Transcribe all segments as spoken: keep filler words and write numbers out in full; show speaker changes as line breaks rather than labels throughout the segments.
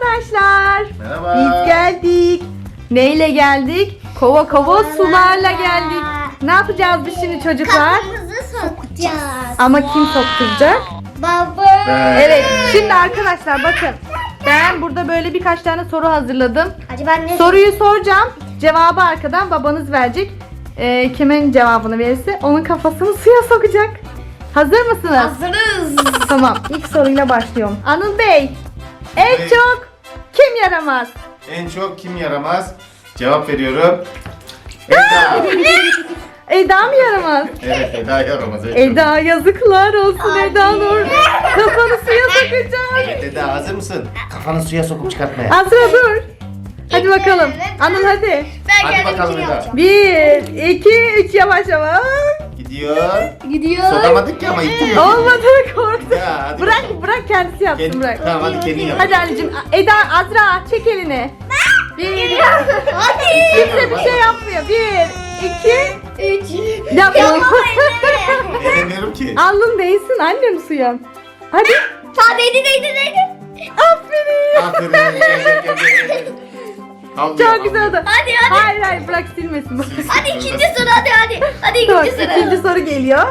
arkadaşlar.
Merhaba.
Biz geldik. Neyle geldik? Kova kova sularla geldik. Ne yapacağız biz şimdi çocuklar?
Kafamızı sokacağız.
Ama kim sokturacak?
Baba.
Ben-
Evet. Şimdi arkadaşlar bakın. Ben burada böyle birkaç tane soru hazırladım.
Acaba ne?
Soruyu soracağım. Cevabı arkadan babanız verecek. Ee, kimin cevabını verirse onun kafasını suya sokacak. Hazır mısınız?
Hazırız.
Tamam. İlk soruyla başlıyorum. Anıl Bey. En
Bey.
çok kim yaramaz?
En çok kim yaramaz? Cevap veriyorum. Eda.
Eda mı yaramaz?
Evet, Eda yaramaz. En çok.
Eda yazıklar olsun
Ay.
Eda Nur. Kafanı suya sokacak.
Evet Eda, hazır mısın? Kafanı suya sokup çıkartmaya.
Azra dur. Hadi bakalım. Anıl hadi.
Ben
Hadi
kendim
bakalım
ikili
Eda.
yapacağım.
Bir, iki, üç yavaş yavaş.
Gidiyor.
Gidiyor.
Sokamadık ki ama ittiriyor.
Olmadı korktu.
Ya, hadi
Bırak
bakalım.
bırak kendisi yapsın
Kendi-
bırak.
Tamam hadi kendin yap.
Hadi anneciğim. Eda, Azra çek elini. Bir,
Hadi.
kimse bir şey yapmıyor. Bir, iki,
Üç.
yapma.
Edemiyorum ki.
Alnın değsin annem suya. Hadi.
Tamam değdi değdi değdi.
Aferin.
Aferin. Gel, gel, gel, gel, gel. Havlıyor,
Çok güzel
havlıyor.
oldu.
Hadi hadi.
Hayır hayır bırak silmesin.
Hadi ikinci soru hadi hadi. Hadi
Tamam,
ikinci soru.
ikinci soru geliyor.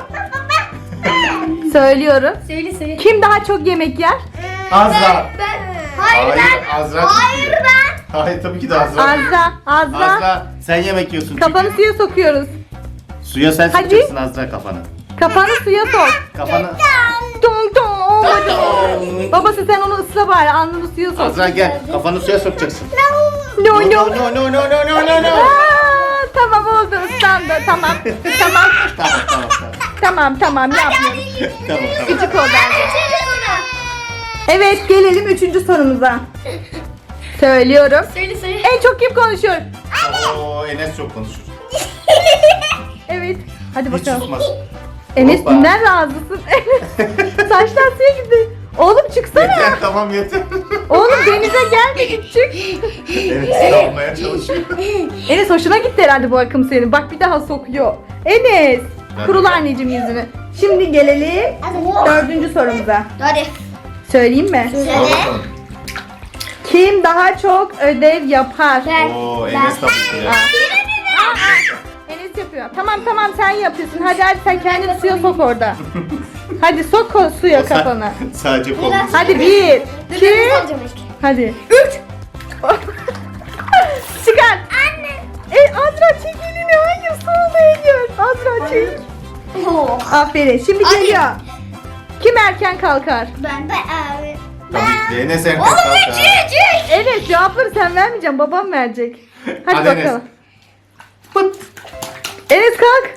Söylüyorum.
Söyle söyle.
Kim daha çok yemek yer?
Azra.
Ben. Hayır, ben.
Azra.
Hayır ben.
Hayır tabii ki de Azra.
Azra. Azra.
Azra sen yemek yiyorsun.
Kafanı
çünkü.
suya sokuyoruz.
Suya sen
Hadi.
sokacaksın Azra kafanı.
Kafanı suya sok.
Kafanı.
Dong dong. Olmadı. Babası sen onu ısla bari. Alnını suya sok.
Azra gel. Kafanı suya sokacaksın.
No no.
No no no no no no no no.
Aa, tamam oldu ıslandı. Tamam. Tamam.
Tamam tamam tamam.
Tamam tamam yapmıyorum.
Tamam tamam.
Küçük oldu.
Üçüncü soru.
Evet gelelim üçüncü sorumuza. Söylüyorum.
Söyle söyle.
En çok kim konuşuyor?
Oo Enes çok konuşur.
Evet. Hadi
Hiç
bakalım.
susmaz.
Enes
Hoppa.
dünden razısın. Saçlar suya gitti. Oğlum çıksana.
Yeter tamam yeter.
Oğlum denize gelmedik çık.
Evet almaya çalışıyor.
Enes hoşuna gitti herhalde bu akım senin. Bak bir daha sokuyor. Enes.
Ben-
Kurula anneciğim yüzünü. Şimdi gelelim dördüncü sorumuza.
Hadi.
Söyleyeyim mi?
Al
Söyle.
bakalım.
Kim daha çok ödev yapar?
Ben.
Oo Enes tabii ki de.
Enes yapıyor. Tamam tamam sen yapıyorsun. Hadi hadi sen kendini suya sok orada. Hadi sok o suya
Sa-
kafanı.
Sadece kol.
Hadi bir,
Dur
iki,
ben alacağım ilk.
hadi. Üç. Çıkar. Anne. E, Azra çek elini. Hayır soğuğuna gör. Azra çek.
Oo.
Aferin. Şimdi
Hadi.
geliyor. Kim erken kalkar?
Ben ben abi.
Tabii ki de Enes erkek
Oğlum
kalkar.
üç üç üç.
Evet cevapları sen vermeyeceksin. Babam verecek. Hadi,
Hadi Enes.
bakalım. Pıt. Enes kalk.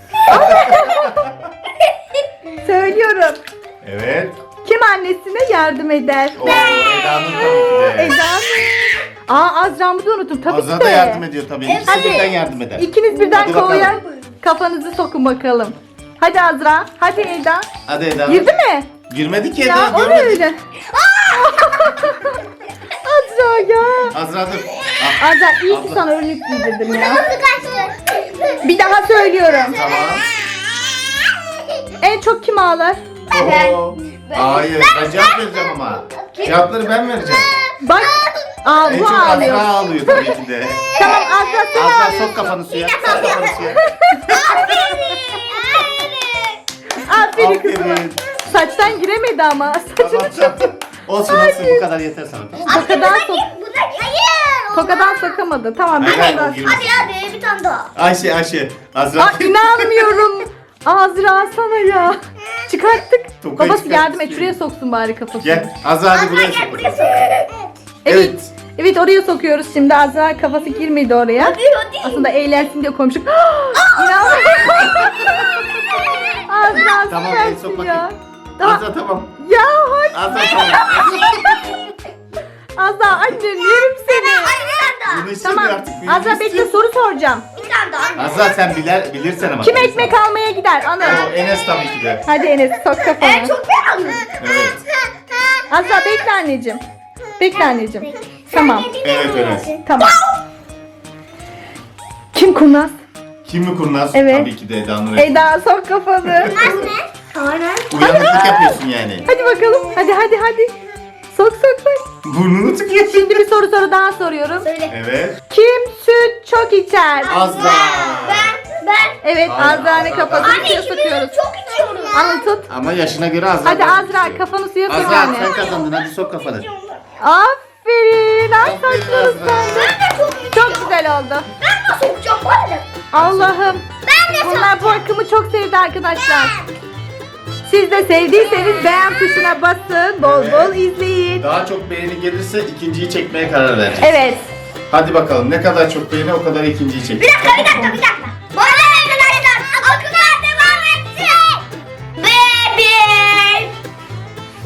Söylüyorum.
Evet.
Kim annesine yardım eder?
Oo Eda'nın tabii ki de.
Eda mı? Aa Azra'mı da unuttum. Tabii
Azra
ki de.
da yardım ediyor tabii. İkisi
Hadi.
birden yardım eder.
İkiniz birden
Hadi bakalım.
kovuya kafanızı sokun bakalım. Hadi Azra. Hadi Eda.
Hadi Eda.
Girdi mi?
Girmedi ki
Ya
Eda.
o ne
Görmedik.
öyle? Azra ya.
Azra dur. Ah,
Azra iyi ki
Abla.
sana önlük giydirdim ya.
Nasıl kaçtı?
Bir daha söylüyorum.
Tamam.
En çok kim ağlar?
Oo. Hayır ben cevap vereceğim ama. Cevapları ben vereceğim.
Bak. Aa
En
bu
çok
ağlıyor.
Azra ağlıyor tabii ki de.
Tamam Azra sen
Azra
ağlıyorsun.
sok kafanı suya. Sok kafanı suya.
Aferin kızım.
Aferin.
Saçtan giremedi ama.
Tamam
Saçını
tamam.
çok...
Olsun olsun bu kadar yeter sana.
Tokadan sok...
Bu da hayır.
Tokadan sokamadı. Tamam bir
Hayır,
tane
hayır,
daha.
o girmez.
Hadi hadi bir tane daha.
Ayşe Ayşe. Azra.
Aa inanmıyorum. Azra sana ya. Çıkarttık.
Tokayı
Babası yardım et.
çıkarttık.
Şuraya soksun bari kafasını.
Gel. Azra hadi buraya
Gel
sok.
buraya sok.
Evet.
Evet.
Evet oraya sokuyoruz şimdi. Azra kafası girmedi oraya.
Hadi hadi.
Aslında eğlensin diye koymuştuk. İnanmıyorum. Azra
Tamam, el
süpersin
sok
ya.
bakayım.
Daha...
Azra tamam.
Ya hadi.
Azra tamam.
Azra annem yerim seni.
Hadi bir tane daha.
Bunu istemiyor
Tamam.
artık.
Azra bekle soru soracağım.
Bir tane daha.
Azra sen bilir, bilirsen ama.
Kim ekmek almaya gider? Anıl.
O Enes tabii ki de.
Hadi Enes sok
En
kafanı.
çok ben aldım.
Evet.
Azra bekle anneciğim. Bekle anneciğim. Tamam.
Evet Enes.
Tamam. Kim kurnaz?
Kim mi kurnaz?
Evet.
Tabii ki de Eda Nur.
Eda sok kafanı.
Anne. Aynen.
Uyanıklık yapıyorsun yani.
Hadi bakalım. Hadi hadi hadi. Sok sok sok.
Burnunu tıkıyor.
Şimdi bir soru soru daha soruyorum.
Söyle.
Evet.
Kim süt çok içer?
Azra.
Ben, ben.
Evet,
Hayır,
Azra'nın
Azra.
kafasını
Anne
suya
ikimiz
sokuyoruz.
çok içiyoruz.
Anıl tut.
Ama yaşına göre Azra.
Hadi
daha
Azra
içiyor.
kafanı suya sok
Azra
anne.
sen kazandın, hadi sok kafanı.
Aferin. Ay
Aferin
saçları
Azra.
sen.
Ben de çok içiyorum.
Çok güzel oldu.
Ben de sokacağım var ya.
Allah'ım.
Ben de
Bunlar bu akımı çok sevdi arkadaşlar. Siz de sevdiyseniz beğen tuşuna basın. Bol
Evet.
bol izleyin.
Daha çok beğeni gelirse ikinciyi çekmeye karar vereceğiz.
Evet.
Hadi bakalım, ne kadar çok beğeni o kadar ikinciyi çekeceğiz.
Bir dakika bir dakika bir dakika.